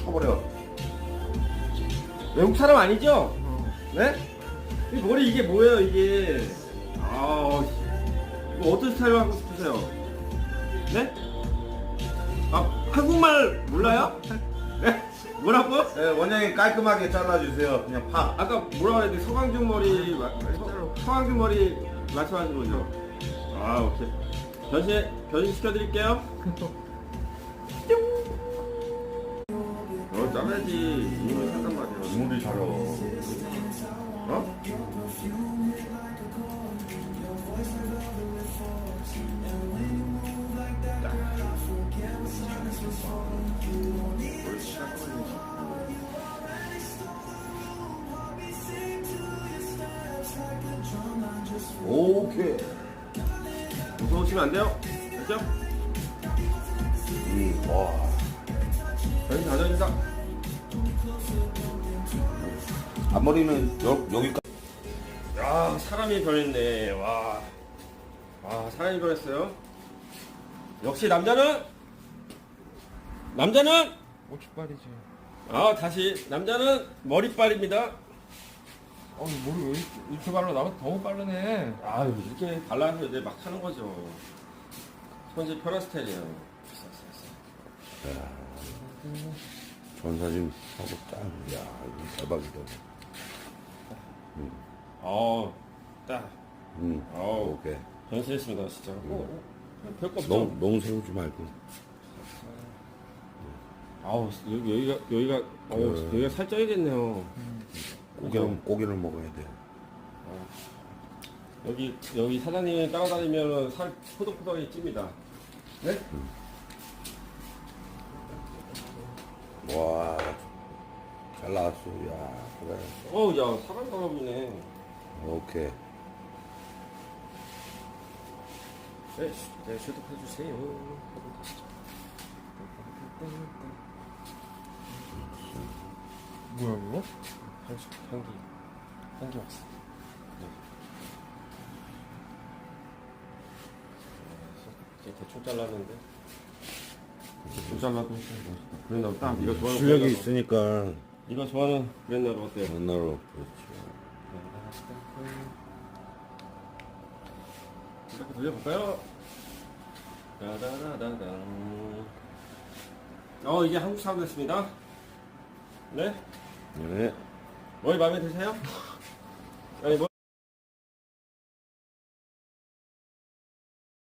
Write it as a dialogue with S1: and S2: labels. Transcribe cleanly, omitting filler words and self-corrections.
S1: 쳐버려.
S2: 외국 사람 아니죠? 네? 이 머리 이게 뭐예요 이게? 아, 이거 어떤 스타일로 하고 싶으세요? 네? 아, 한국말 몰라요? 네? 뭐라고?
S1: 네, 원장님 깔끔하게 잘라주세요. 그냥 파.
S2: 아까 뭐라고 해야 돼? 서강준 머리, 서강준 머리 말씀하신 거죠? 아, 오케이. 변신 시켜드릴게요. 잘라야지. 이걸 산단 말이야.
S1: 이물이 잘어.
S2: 어?
S1: 오케이.
S2: 무서우시면 안 돼요. 됐죠?
S1: 와.
S2: 변신 다 됩니다.
S1: 앞머리는 여기까지.
S2: 야, 사람이 변했네. 와, 사람이 변했어요. 역시 남자는
S3: 고춧발이지.
S2: 다시 남자는 머리빨입니다.
S3: 머리 왜 이렇게 발라? 나보다 더 빠르네.
S2: 아유, 이렇게 발라서 이제 막 하는 거죠. 손질 편한 스타일이에요.
S1: 전사진 하고 딱. 야, 이거 대박이다.
S2: 딱.
S1: 오케이.
S2: 변신했습니다, 진짜. 별거 없죠.
S1: 너무 세우지 말고.
S2: 여기가 살쪄야겠네요.
S1: 고기를 먹어야 돼.
S2: 여기 사장님이 따라다니면 살 포덕포덕이 찝니다. 네?
S1: 와, 잘 나왔어. 야, 그래.
S2: 야, 사람 사람이네.
S1: 오케이.
S2: 네, 소독해주세요.
S3: 뭐야 이거?
S2: 향기 왔어. 이제 대충 잘랐는데. 대충 잘라도 그랬나 딱 이거 좋아하는
S1: 실력이
S2: 브랜드로.
S1: 있으니까
S2: 이거 좋아하는 브랜드로 어때요?
S1: 옛날로 그렇지.
S2: 이렇게 돌려볼까요? 다다다다당. 이제 한국 사람 됐습니다. 네?
S1: 네.
S2: 머리 마음에 드세요?